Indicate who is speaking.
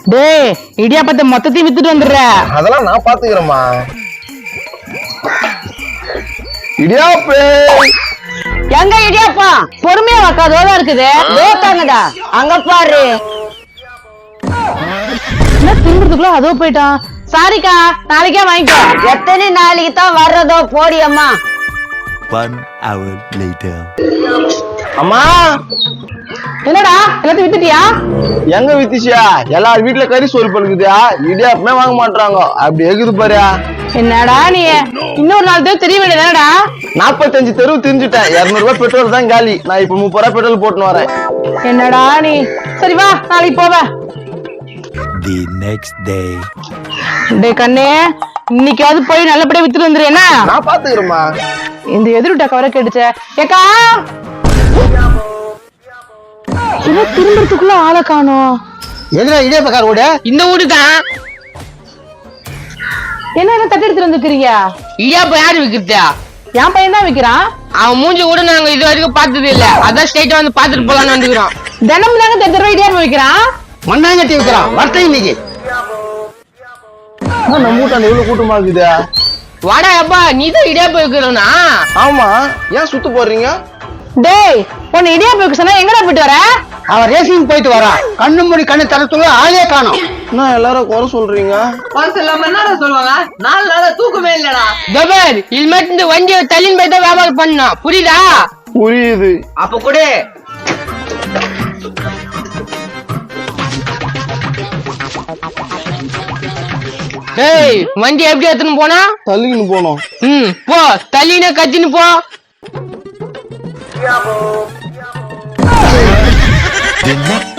Speaker 1: டேய் இடியாப்பத்தை மொத்தத்தையும் வித்துட்டு வந்துடுற.
Speaker 2: அதெல்லாம் நான் பாத்துக்கிறேம்மா. இடியாப்பே
Speaker 1: எங்க இடியாப்பா பொறுமையா வைக்காதோதான் இருக்குது. வேத்தாங்கடா அங்க பாரு. என்ன திங்குறதுக்குள்ள அதோ போயிட்டான். சாரிக்கா நாளைக்கே வாங்கிக்கோ. எத்தனை நாளைக்கு தான் வர்றதோ போடியம்மா.
Speaker 3: 1 hour later.
Speaker 2: அம்மா
Speaker 1: என்னடா எல்லாத்தையும் வித்துட்டியா?
Speaker 2: எங்க வித்துச்சியா? எல்லார் வீட்டுல கறி சோறு பழுக்குதா, இடியாப்பமே வாங்க மாட்டாங்க. அப்படி எகுது பாரு.
Speaker 1: என்னடா நீ இன்னொரு நாள் தான் தெரிய வேண்டியதானடா.
Speaker 2: 45 தெருவு தெரிஞ்சுட்டேன். 200 ரூபாய் பெட்ரோல் தான் காலி. நான் இப்ப 30 ரூபாய் பெட்ரோல் போட்டுன்னு வரேன்.
Speaker 1: என்னடா நீ. சரி வா நாளைக்கு போவ.
Speaker 3: The next day.
Speaker 1: டே கண்ணே இன்னைக்காவது போய் நல்லபடியா வித்துட்டு வந்துரு. என்ன
Speaker 2: நான் பாத்துக்கிறேம்மா.
Speaker 1: இந்த எதிர்ட்ட கவரை கேட்டுச்ச. ஏக்கா என்ன திரும்பறதுக்குள்ள ஆளை காணோம்.
Speaker 2: எதுல இடியாப்பக்கார வீடு?
Speaker 4: இந்த வீடு தான்.
Speaker 1: என்ன என்ன தட்டு எடுத்துட்டு வந்துக்கிறீங்க?
Speaker 4: இடியாப்பம் யாரு விக்கிறதா?
Speaker 1: என் பையன் தான் விக்கிறான்.
Speaker 4: அவன் மூஞ்சி கூட நாங்க இது வரைக்கும் பார்த்தது இல்ல. அதான் ஸ்ட்ரைட்டா வந்து பாத்துட்டு போலான்னு வந்துக்கிறோம்.
Speaker 1: தினமும் தாங்க 10 ரூபாய் இடியாப்பம் விக்கிறான்.
Speaker 2: மண்ணாங்கட்டி வைக்கிறான். வரட்டை இன்னைக்கு நம்ம வீட்டாண்ட எவ்வளவு கூட்டமா இருக்குதா?
Speaker 4: வாடா அப்பா நீ தான் இடியாப்பம் விக்கிறோனா?
Speaker 2: ஆமா, ஏன் சுத்து போடுறீங்க?
Speaker 1: டேய் உன்னை இடியாப்பம் விக்க சொன்னா எங்கடா போயிட்டு வர?
Speaker 5: அவன் ரேசிங் போயிட்டு வரான். கண்ணு மூடி கண்ணு தரத்துள்ள ஆளே காணோம்.
Speaker 2: என்ன எல்லாரும் குறை சொல்றீங்க?
Speaker 4: சொல்லுவாங்க 4 நாளா தூக்கமே இல்லடா. தபர் இது மட்டும் இந்த வண்டியை தள்ளின்னு போய் தான் வியாபாரம் பண்ணணும். புரியுதா?
Speaker 2: புரியுது.
Speaker 4: அப்ப கூட ஏய் வண்டி எப்படி எடுத்துன்னு போனா?
Speaker 2: தள்ளிக்கின்னு போனோம்.
Speaker 4: போ தள்ளின கத்தின்னு போ.
Speaker 3: The next